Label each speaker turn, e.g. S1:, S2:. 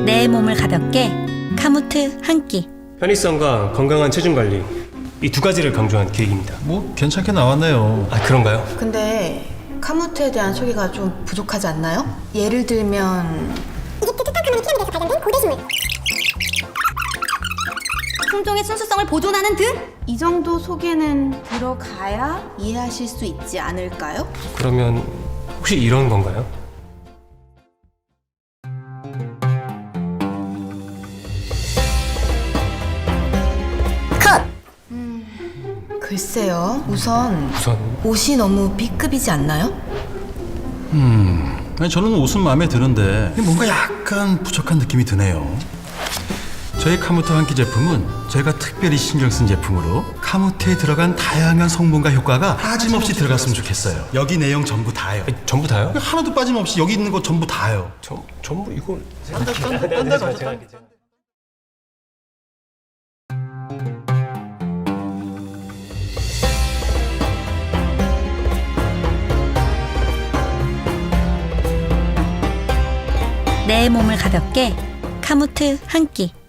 S1: 내 몸을 가볍게 카무트 한 끼.
S2: 편의성과 건강한 체중 관리, 이 두 가지를 강조한 계획입니다.
S3: 뭐 괜찮게 나왔네요.
S2: 아, 그런가요?
S4: 근데 카무트에 대한 소개가 좀 부족하지 않나요? 예를 들면
S5: 이집트 투탕카멘의 피라미드에서 발견된 고대 식물.
S4: 품종의 순수성을 보존하는 등? 이 정도 소개는 들어가야 이해하실 수 있지 않을까요?
S2: 그러면 혹시 이런 건가요?
S4: 글쎄요. 우선
S2: 우선
S4: 옷이 너무 B급이지 않나요?
S3: 아니, 저는 옷은 마음에 드는데 뭔가 약간 부족한 느낌이 드네요. 저희 카무트 한 끼 제품은 저희가 특별히 신경 쓴 제품으로 카무트에 들어간 다양한 성분과 효과가 빠짐없이 들어갔으면 좋겠어요. 여기 내용 전부 다요.
S2: 아니, 전부 다요?
S3: 하나도 빠짐없이 여기 있는 거 전부 다요.
S2: 전부 이걸
S1: 내 몸을 가볍게 카무트 한 끼.